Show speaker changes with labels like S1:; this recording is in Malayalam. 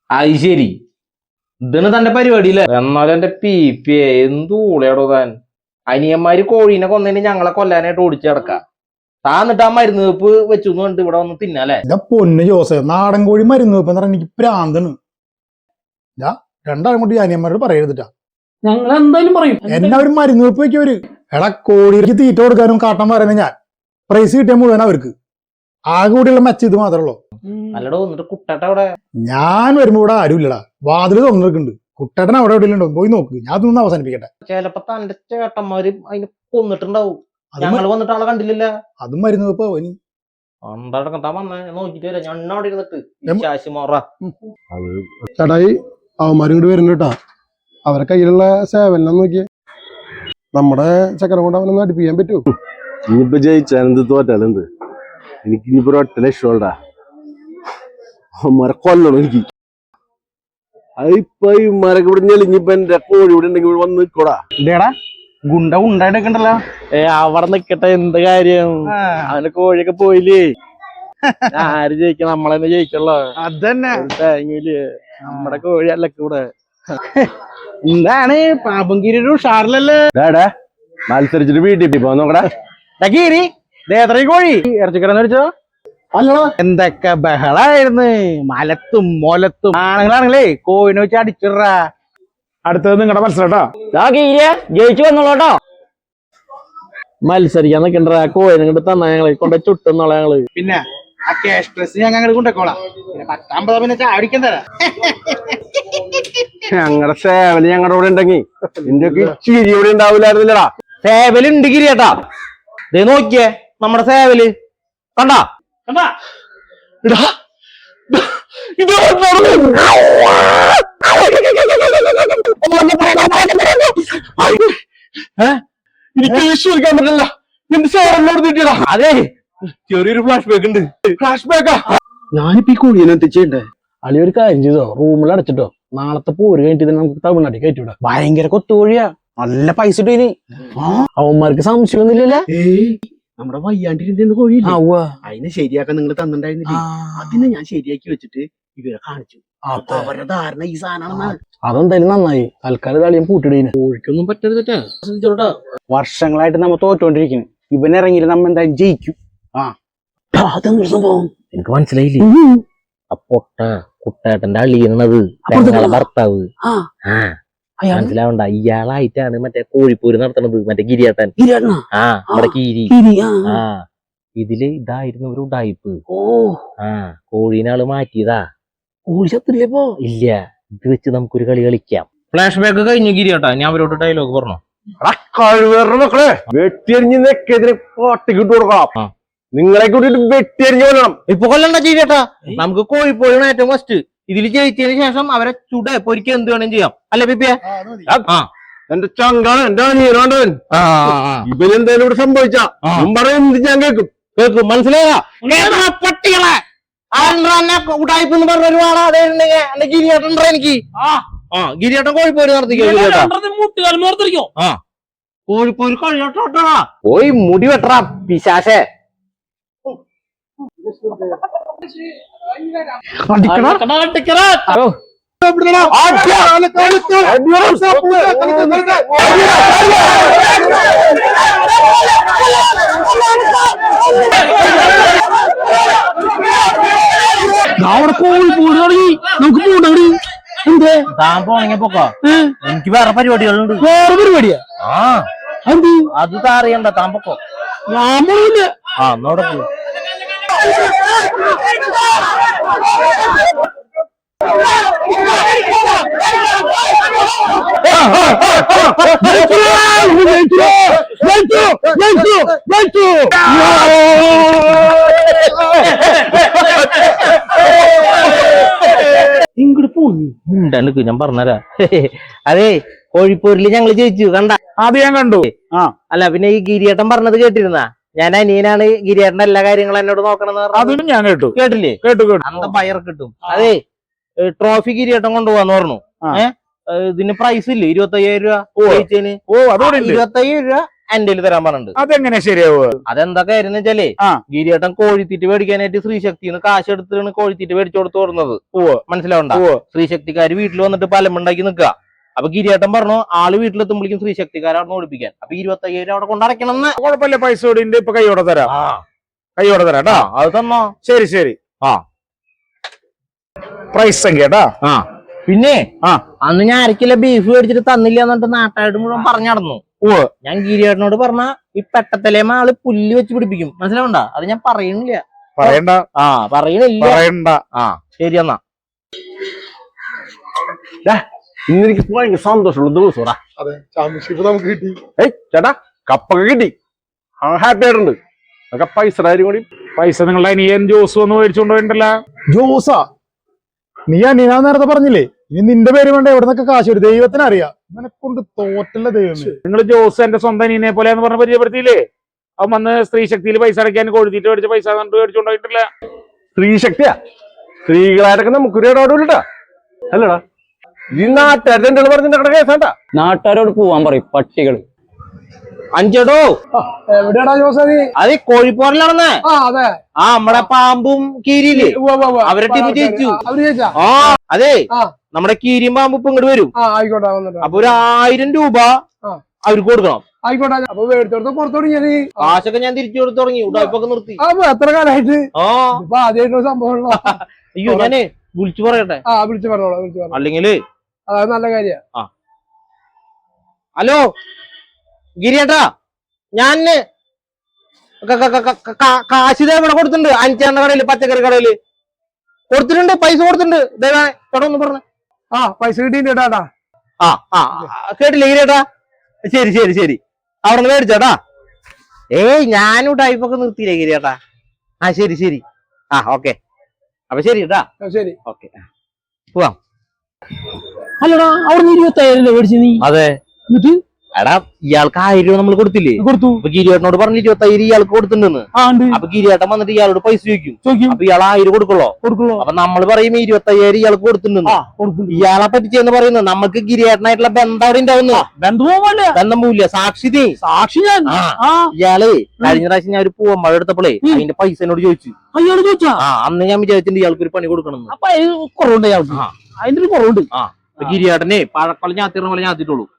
S1: അത് ശരി, ഇതാണ് തന്റെ പരിപാടിയില്ലേ? എന്നാലും എന്റെ പി എന്തൂളയാടോ താൻ. അനിയന്മാര് കോഴീനെ കൊന്നതിന് ഞങ്ങളെ കൊല്ലാനായിട്ട് ഓടിച്ചു കിടക്കാം. താൻ എന്നിട്ട് ആ മരുന്ന് വെപ്പ് വെച്ചു കണ്ട് ഇവിടെ വന്ന് തിന്നാലേ?
S2: പൊന്ന് ജോസേ, നാടൻ കോഴി മരുന്ന് വെപ്പ് എന്ന് പറഞ്ഞാൽ എനിക്ക് പ്രാന്താണ്. ഞാൻ രണ്ടാളും കൂടി അനിയന്മാരോട് പറയരുതിട്ടാ.
S3: ഞങ്ങൾ എന്തായാലും പറയും.
S2: എല്ലാവരും മരുന്ന് വെപ്പ് വെക്കവര്. എടാ, കോഴിക്ക് തീറ്റ കൊടുക്കാനും കാട്ടം പറയുന്നത് ഞാൻ. പ്രൈസ് കിട്ടിയ മുഴുവൻ അവർക്ക്. ആകെ കൂടിയുള്ള മെച്ച ഇത് മാത്രമേ ഉള്ളൂ.
S1: അല്ലടോ, എന്നിട്ട് കുട്ടേട്ട അവിടെ?
S2: ഞാൻ വരുമ്പോ ഇവിടെ ആരും ഇല്ലടാ. വാതില് തുറന്നിരിക്കുന്നുണ്ട്. കുട്ടേട്ടൻ അവിടെ എവിടെ ഉണ്ടോ പോയി നോക്ക്. ഞാൻ അതൊന്നും അവസാനിപ്പിക്കട്ടെ.
S1: ചിലപ്പോ തന്റെ ചേട്ടന്മാര് അതിന് കൊന്നിട്ടുണ്ടാവും. ഞങ്ങള് വന്നിട്ട് ആളെ കണ്ടില്ല.
S2: അതും മരുന്ന് വെപ്പോ അവന്
S1: എന്താ താൻ വന്നേ നോക്കിട്ട് വരാം. ഞാൻ അവിടെ ഇരുന്നിട്ട് ശാശി മോറ
S4: ചേട്ടായി അവന്മാരും കൂടി വരുന്നുണ്ട് കേട്ടാ. അവരെ കയ്യിലുള്ള സേവനം നോക്കിയേ. നമ്മുടെ ചക്കര കൊണ്ട് അവനൊന്നും അടുപ്പിക്കാൻ പറ്റുമോ?
S5: ഇനിയിപ്പോ ജയിച്ചാലെന്ത് തോറ്റാലെന്ത്, എനിക്ക് ഇനിയിപ്പോ ഒരു ഒറ്റ ലക്ഷമുണ്ടാ. അവന്മാരെ കൊല്ലണം എനിക്ക്. അതിപ്പോ ഇമാരൊക്കെ ഇവിടെ ഞെളിഞ്ഞിപ്പോ എന്റെ കോഴി ഇവിടെ ഉണ്ടെങ്കിൽ ഇവിടെ വന്ന് നിൽക്കോടാ.
S3: ഇതേടാ ഗുണ്ട ഉണ്ടായിട്ടൊക്കെണ്ടല്ലോ.
S5: അവിടെ നിക്കട്ടെ, എന്ത് കാര്യം? അവന്റെ കോഴിയൊക്കെ പോയില്ലേ. ആര് ജയിക്കണം? നമ്മളെന്നെ ജയിക്കല്ലോ.
S3: അതന്നെ
S5: തേങ്ങയില് നമ്മുടെ കോഴി അല്ല കൂടെ.
S3: എന്താണ് പാമ്പങ്കിരി ഒരു ഉഷാറിലല്ലേ?
S5: മത്സരിച്ചിട്ട് വീട്ടിൽ പോ നോക്കടാ.
S3: ഗീരി ദേത്രയും കോഴി ഇറച്ചിക്കടന്ന് വെച്ചോ. എന്തൊക്കെ ബഹളായിരുന്നു. മലത്തും മൊലത്തും. ആണുങ്ങളാണെങ്കിലേ കോഴിനെ വെച്ച് അടിച്ചിടാ.
S2: അടുത്തത് നിങ്ങളുടെ മത്സരം
S1: ജയിച്ചു വന്നോളൂട്ടോ.
S5: മത്സരിക്കാൻ നിക്കണ്ട, കോഴി നിങ്ങട്ട് തന്നാ ഞങ്ങള് കൊണ്ട് ചുട്ടുന്നോളാ ഞങ്ങള്.
S3: പിന്നെ ആ ക്യാഷ് ഡ്രസ് ഞാൻ അങ്ങോട്ട് കൊണ്ടുപോയിക്കോളാം. പിന്നെ 10-50 പിന്നെ ചാടിക്കാൻ തരാം.
S5: ഞങ്ങളുടെ സേവല് ഞങ്ങളുടെ കൂടെ ഉണ്ടെങ്കിൽ ഇന്ത്യക്ക് ചിരി ഇവിടെ ഉണ്ടാവില്ലായിരുന്നില്ലടാ.
S1: സേവലുണ്ട് ഗിരിയേട്ടാ. ദേ നോക്കിയേ നമ്മുടെ സേവല് കണ്ടാ കണ്ടാ.
S5: എനിക്ക് വിശ്വസിക്കാൻ പറ്റില്ല. എന്റെ സേവനോട് കിട്ടിയടാ.
S1: അതെ, ചെറിയൊരു ഫ്ലാഷ് ബാക്ക് ഉണ്ട്.
S5: ഫ്ലാഷ് ബാക്കാ.
S4: ഞാനിപ്പോ ഈ കോഴീനെ എത്തിച്ചേണ്ടേ.
S5: അളി ഒരു കാര്യം ചെയ്തോ, റൂമിൽ അടച്ചിട്ടോ. നാളത്തെ പോര് കഴിഞ്ഞിട്ട് നമുക്ക് തമിഴ്നാട്ടിൽ കയറ്റിവിടാ.
S3: ഭയങ്കര കൊത്തുകോഴിയാ, നല്ല പൈസ ഇട്ടു. ഇനി
S5: അവന്മാർക്ക് സംശയമൊന്നുമില്ലല്ലേ?
S4: നമ്മുടെ വയ്യാണ്ടിരുന്ന കോഴിയില്ലേ, അതിനെ ശരിയാക്കാൻ നിങ്ങൾ തന്നിട്ടുണ്ടായിരുന്നില്ലേ? അതിനെ ഞാൻ ശരിയാക്കി വെച്ചിട്ട് ഇവരെ കാണിച്ചു. അപ്പൊ അവരുടെ ധാരണ ഈ സാധനമാണെന്നാണ്.
S5: അതെന്തായാലും നന്നായി. തൽക്കാലം തളിയും പൂട്ടിടീന്.
S1: കോഴിക്കൊന്നും പറ്റരുതട്ടാ.
S3: വർഷങ്ങളായിട്ട് നമ്മ തോറ്റോണ്ടിരിക്കുന്നു. ഇവനിറങ്ങിയിട്ട് നമ്മ എന്തായാലും ജയിക്കും.
S4: അതെന്തൊരു സംഭവം
S1: എനിക്ക് മനസ്സിലായില്ലേ? അപ്പൊട്ട കുട്ടേട്ടന്റെ അളിയണത് ഭർത്താവ്. മനസ്സിലാവണ്ട, ഇയാളായിട്ടാണ് മറ്റേ കോഴിപ്പോര് നടത്തണത്. മറ്റേ ഗിരിയേട്ടൻ. നമ്മുടെ കീരി. ഇതില് ഇതായിരുന്നു ഒരു ഉഡായിപ്പ്. കോഴീനാള് മാറ്റിയതാ.
S4: കോഴി ചത്തില്ലേപ്പോ?
S1: ഇല്ല, ഇത് വെച്ച് നമുക്കൊരു കളി കളിക്കാം. ഫ്ലാഷ് ബാക്ക് കഴിഞ്ഞു ഗിരിയേട്ടാ. ഞാൻ അവരോട് ഡയലോഗ് പറഞ്ഞു.
S5: കഴിവേറെ മക്കളെ, വെട്ടിയറിഞ്ഞ് നെക്കെതിരെ പാട്ടിക്കിട്ട് കൊടുക്കാം. നിങ്ങളെ കൂട്ടിട്ട് വെട്ടിയറിഞ്ഞ് കൊല്ലണം.
S1: ഇപ്പൊ കൊല്ലണ്ട ഗിരിയേട്ടാ, നമുക്ക് കോഴിപ്പോഴാണ് ഏറ്റവും ഫസ്റ്റ്. ഇതിൽ ജയിച്ചതിന് ശേഷം അവരെ ചുട പൊരിക്കുക എന്ത് വേണം ചെയ്യാം. അല്ലെ പിപ്പിയ?
S5: എന്റെ ചങ്കാണ്, എന്റെ അനിയനാണ്ടവൻ. ഇവനെന്തായാലും ഇവിടെ സംഭവിച്ചാ പറയുന്നത് ഞാൻ കേൾക്കും.
S1: മനസ്സിലായ പട്ടികളെ ഉടായ്പ എന്ന് പറഞ്ഞ ഒരു ആളാ എന്റെ ഗിരിയേട്ടൻ എനിക്ക്. ഗിരിയേട്ടൻ കോഴിപ്പോര് നടത്തിക്കോ. കോഴിപ്പോര് കഴിയോട്ടാ. പോയി മുടി വെട്ടറാ പിശാശേ.
S3: നമുക്ക് പോകണി. എന്തേ
S1: താൻ പോണെങ്കിൽ പോക്കോ, എനിക്ക് വേറെ പരിപാടികളുണ്ട്.
S3: വേറെ പരിപാടിയാ?
S1: അത് താറിയണ്ട, താൻ പൊക്കോ.
S3: ഞാനില്ല.
S1: എന്നോടെ പോ.
S3: ഇങ്ങോട്ട് പോന്നി
S1: ഉണ്ടെനിക്ക് ഞാൻ പറഞ്ഞുതരാ. അതെ, കോഴിപ്പോരില് ഞങ്ങള് ജയിച്ചു കണ്ട.
S3: അത് ഞാൻ കണ്ടു.
S1: അല്ല പിന്നെ ഈ ഗിരിയേട്ടൻ പറഞ്ഞത് കേട്ടിരുന്ന? ഞാൻ അനിയനാണ്, ഗിരിയേട്ടന്റെ എല്ലാ കാര്യങ്ങളും എന്നോട് നോക്കണം.
S3: അതും ഞാൻ കേട്ടു.
S1: കേട്ടില്ലേ?
S3: കേട്ടു.
S1: അന്ത പയർ കിട്ടും. അതെ, ട്രോഫി ഗിരിയേട്ടൻ കൊണ്ടുപോവാന്ന് പറഞ്ഞു. ഇതിന് പ്രൈസ് ഇല്ലേ? 25,000 രൂപ ജയിച്ചതിന്. 25,000 രൂപ എന്റെ കയ്യിൽ തരാൻ പറഞ്ഞിട്ടുണ്ട്.
S6: അതെങ്ങനെ ശരിയാവുക?
S1: അതെന്താ കാര്യം എന്ന് വെച്ചാലേ
S6: ആ.
S1: ഗിരിയേട്ടൻ കോഴിത്തീറ്റ് മേടിക്കാനായിട്ട് ശ്രീശക്തിന്ന് കാശ് എടുത്തിട്ടാണ് കോഴിത്തീറ്റ് മേടിച്ചു കൊടുത്ത് തുറന്നത്. മനസ്സിലാവണ്ട? ശ്രീശക്തിക്കാര് വീട്ടിൽ വന്നിട്ട് പലമുണ്ടാക്കി നിൽക്കുക. അപ്പൊ ഗിരിയേട്ടൻ പറഞ്ഞു ആള് വീട്ടിലെത്തുമ്പോഴേക്കും ശ്രീശക്തിക്കാരെ അവിടെ ഓടിപ്പിക്കാൻ. അപ്പൊ 25,000 അവിടെ കൊണ്ടടക്കണം.
S6: കുഴപ്പമില്ല, പൈസ കൂടിന്റെ ഇപ്പൊ കൈയോടെ തരാം. കൈയോടെ തരാം കേട്ടാ.
S1: അത് തന്നോ?
S6: ശരി ശരി.
S1: ആ
S6: പ്രൈസ് സംഖ്യ കേട്ടാ.
S1: പിന്നെ
S6: ആ.
S1: അന്ന് ഞാൻ അരക്കില്ല ബീഫ് മേടിച്ചിട്ട് തന്നില്ല എന്നിട്ട് നാട്ടായിട്ട് മുഴുവൻ പറഞ്ഞു നടന്നു. ഞാൻ ഗിരിയേട്ടനോട് പറഞ്ഞ ഈ പെട്ടത്തലേമ ആള് പുല്ല് വെച്ച് പിടിപ്പിക്കും. മനസ്സിലാവണ്ട? അത് ഞാൻ പറയണില്ല.
S6: പറയണ്ട.
S1: പറയണില്ല.
S6: പറയണ്ട.
S1: ശരി എന്നാ.
S5: ഇന്ന് എനിക്ക് ഭയങ്കര സന്തോഷമുള്ള ദിവസമാ.
S2: അതെ, ചാമ്പ്യൻഷിപ്പ് നമുക്ക് കിട്ടി.
S5: ചേട്ടാ കപ്പൊക്കെ കിട്ടി. ഹാപ്പി ആയിട്ടുണ്ട്. അതൊക്കെ പൈസ കൂടി.
S6: പൈസ നിങ്ങളുടെ അനിയൻ ജോസ് വന്ന് മേടിച്ചുകൊണ്ട് പോയിട്ടല്ല.
S2: ജോസാ, നീ അനിയനാ നേരത്തെ പറഞ്ഞില്ലേ? ഇനി നിന്റെ പേര് വേണ്ട എവിടെ നിന്നൊക്കെ കാശ് വരും. ദൈവത്തിന് അറിയാം. ഇവനെ കൊണ്ട് തോറ്റല്ല ദൈവമേ.
S6: നിങ്ങൾ ജോസ് എന്റെ സ്വന്തം അനിയനെ പോലെ എന്ന് പറഞ്ഞ് പരിചയപ്പെടുത്തിയില്ലേ? അവൻ വന്ന് സ്ത്രീ ശക്തിയിൽ പൈസ അടയ്ക്കാൻ കോഴിത്തീറ്റ് മേടിച്ച പൈസ മേടിച്ചുകൊണ്ട് പോയിട്ടില്ല.
S5: സ്ത്രീ ശക്തിയാ? സ്ത്രീകളായിട്ടൊക്കെ നമുക്കൊരു ഇടപെടില്ലട്ടാ. അല്ലടാ, ഈ നാട്ടുകാരുടെ എന്തെങ്കിലും പറഞ്ഞിട്ട് കേസാട്ടാ.
S7: നാട്ടുകാരോട് പോവാൻ പറയും പട്ടികള്.
S1: അഞ്ചടോ,
S2: എവിടെയാടാ ജോസാ നീ?
S1: അത് കോഴിപ്പോറിലാണെന്ന്.
S2: അതെ,
S1: നമ്മടെ പാമ്പും കീരിയില്ലേ, അവരെ ടീം ജയിച്ചു.
S2: അവര് ചോദിച്ചാ?
S1: അതെ,
S2: ആ.
S1: നമ്മുടെ കീരിയും പാമ്പും ഇപ്പൊ ഇങ്ങോട്ട് വരും.
S2: ആയിക്കോട്ടെ, വന്നിട്ട്
S1: അപ്പൊ ഒരു 1000 രൂപ അവർക്ക് കൊടുക്കണം.
S2: ആയിക്കോട്ടെ. അപ്പൊ മേടിച്ചോടത്ത് പുറത്തു തുടങ്ങിയത്
S1: കാശൊക്കെ ഞാൻ തിരിച്ചു കൊടുത്ത് തുടങ്ങി. ഉടായ്പൊക്കെ നിർത്തി.
S2: അപ്പൊ എത്ര കാലമായിട്ട് ഇപ്പൊ ആദ്യമായിട്ടൊരു സംഭവം.
S1: അയ്യോ, ഞാനേ വിളിച്ചു പറയട്ടെ.
S2: വിളിച്ചു പറഞ്ഞോളാം, വിളിച്ചു പറഞ്ഞു.
S1: അല്ലെങ്കില്
S2: അത് നല്ല കാര്യ.
S1: ഹലോ ഗിരിയേട്ടാ, ഞാൻ കാശ് ഇവിടെ കൊടുത്തിട്ടുണ്ട്. അഞ്ചാണ്ട കടയില്, പച്ചക്കറി കടയില് കൊടുത്തിട്ടുണ്ട്. പൈസ കൊടുത്തിട്ടുണ്ട്. ചേട്ടാ ഒന്ന് പറഞ്ഞു.
S2: പൈസ കിട്ടിയിട്ടാ.
S1: കേട്ടില്ലേ ഗിരിയേട്ടാ? ശരി ശരി ശരി. അവിടെ നിന്ന് മേടിച്ചോട്ടാ. ഞാനും ടൈപ്പൊക്കെ നിർത്തിയില്ലേ ഗിരിയേട്ടാ? ശരി ശരി. ഓക്കെ. അപ്പൊ ശരി കേട്ടാ.
S2: ശരി,
S1: ഓക്കെ, പോവാം.
S7: അല്ലടാ, അവിടെ 25,000 മേടിച്ചു നീ.
S1: അതെ.
S7: എന്നിട്ട്
S1: എടാ, ഇയാൾക്ക് 1000 രൂപ നമ്മൾ കൊടുത്തില്ലേ?
S7: കൊടുത്തു.
S1: അപ്പൊ ഗിരിയേട്ടനോട് പറഞ്ഞ് 25,000 ഇയാൾക്ക് കൊടുത്തിട്ടുണ്ടെന്ന്. അപ്പൊ ഗിരിയേട്ടൻ വന്നിട്ട് ഇയാളോട് പൈസ ചോദിക്കും. അപ്പൊ ഇയാൾ 1000 കൊടുക്കുള്ളൂ. അപ്പൊ നമ്മൾ പറയും 25,000 ഇയാൾക്ക് കൊടുത്തിട്ടുണ്ടെന്ന്. ഇയാളെ പറ്റിച്ചെന്ന് പറയുന്നത് നമുക്ക് ഗിരിയേട്ടനായിട്ടുള്ള ബന്ധം അവിടെ ഉണ്ടാവുന്നു. ബന്ധം പോവില്ല. സാക്ഷി നീ.
S7: സാക്ഷി ഞാൻ.
S1: ഇയാളെ കഴിഞ്ഞ പ്രാവശ്യം ഞാൻ ഒരു പൂവമ്പഴ എടുത്തപ്പോഴേ അതിന്റെ പൈസ എന്നോട് ചോദിച്ചു.
S7: അയാള് ചോദിച്ചാ?
S1: അന്ന് ഞാൻ വിചാരിച്ചിട്ടുണ്ട് ഇയാൾക്ക് ഒരു പണി കൊടുക്കണം.
S7: അപ്പൊ കുറവുണ്ട് അയാൾക്ക്. അതിന്റെ ഒരു കുറവുണ്ട്.
S1: ഗിരിയേട്ടനെ പഴക്കൊല ഞാത്തിടുന്ന പോലെ ഞാത്തിട്ടുള്ളൂ.